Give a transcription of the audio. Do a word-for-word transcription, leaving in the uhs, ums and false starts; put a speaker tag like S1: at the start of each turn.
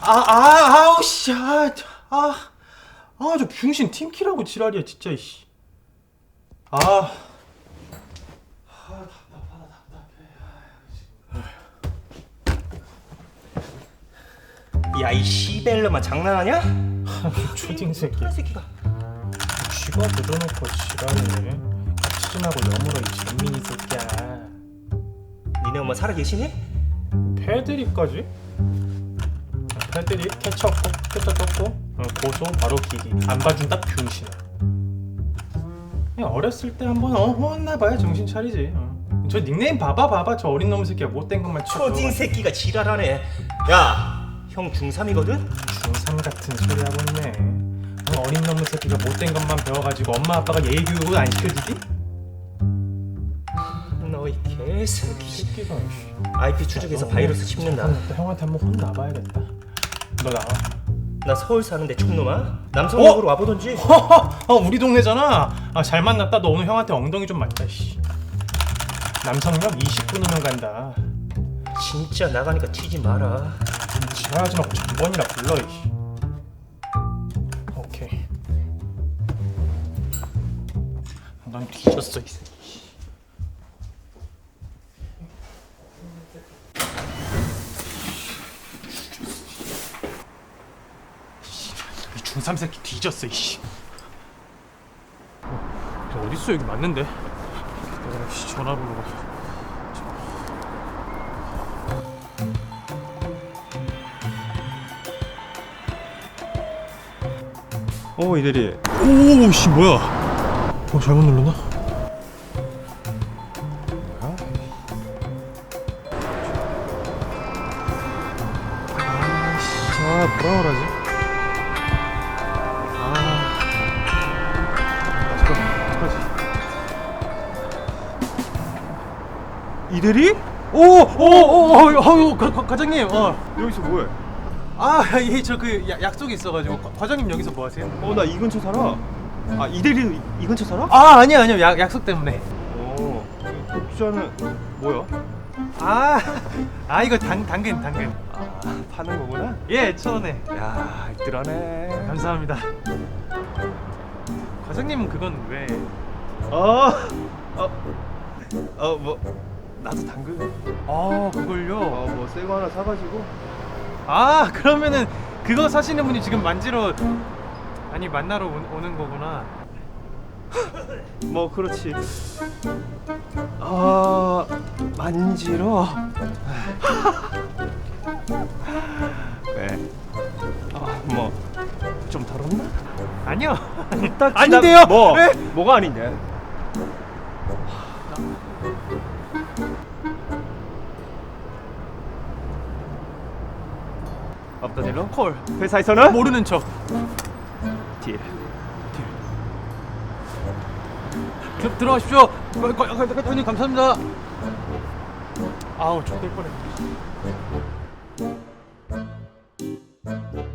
S1: 아, 아우 씨, 아, 아, 아, 저 병신 팀키라고 지랄이야 진짜 이씨. 아,
S2: 야 이 시벨러만 장난하냐?
S1: 초딩 새끼.
S2: 그런 새끼가.
S1: 쥐가 묻어놓고 지랄이네. 치진하고 여물어 이 진민이 새끼야.
S2: 니네 엄마 살아계시니?
S1: 패드립까지? 패드립 캐쳐 캐쳐 떴고 어, 고소 바로 기기 안 봐준다 병신아. 그냥 어렸을 때 한번 어 혼나봐야 정신 차리지. 어. 저 닉네임 봐봐 봐봐 저 어린 놈 새끼야 못된 것만 쳐.
S2: 초딩 새끼가 지랄하네. 야 형 중삼이거든?
S1: 중삼 같은 소리 하고 있네. 어, 어린 놈 새끼가 못된 것만 배워가지고 엄마 아빠가 예의 교육을 안 시켜주지?
S2: 너 이 개새끼.
S1: 새끼가.
S2: 아이피 추적해서 바이러스 씹는다.
S1: 잠깐만, 또 형한테 한번 혼나봐야겠다. 너 나와.
S2: 나 서울 사는데 촌놈아? 남성역으로
S1: 어?
S2: 와보던지.
S1: 어 우리 동네잖아. 아 잘 만났다. 너 오늘 형한테 엉덩이 좀 맞다. 씨. 남성역 이십 분이면 간다.
S2: 진짜 나가니까 튀지 마라.
S1: 지랄하지 말고 전번이나 불러. 이씨. 오케이. 넌 뒤졌어 이 새끼. 이 중삼 새끼 뒤졌어 이씨. 어, 어딨어 여기 맞는데? 내가 씨 전화번호가.
S3: 어 이대리.
S1: 오씨 뭐야? 어 잘못 눌렀나? 뭐야? 아씨, 아 뭐라 그러지? 아, 어떡하- 어떡하지?
S3: 이대리?
S1: 오오오오 과장님, 어.
S3: 여기서 뭐해?
S1: 아, 예, 저 그 약속이 있어가지고 과- 과장님 여기서 뭐 하세요?
S3: 어 나 이 근처 살아. 아 이대리 이, 이 근처 살아?
S1: 아, 아니요, 아니요, 약 약속 때문에.
S3: 어 독주자는 뭐야?
S1: 아, 아 이거 당 당근 당근.
S3: 아 파는 거구나.
S1: 예, 천 원에.
S3: 야 알뜰하네.
S1: 감사합니다. 과장님은 그건 왜?
S3: 어어어뭐 나도 당근.
S1: 아, 그걸요?
S3: 어뭐 새 거 하나 사가지고.
S1: 아, 그러면은 그거 사시는 분이 지금 만지러 아니 만나러 오, 오는 거구나.
S3: 뭐 그렇지. 아 만지러. 왜? 아뭐 좀 덜었나?
S1: 아니요.
S3: 딱
S1: 아닌데요?
S3: 지나- 뭐
S1: 네?
S3: 뭐가 아닌데? 없던 일로?
S1: 콜.
S3: 회사에서는?
S1: 모르는 척.
S3: 딜.
S1: 들- 들어가십시오. 과- 과- 과- 과장님 감사합니다. 아우, 족될 뻔했네.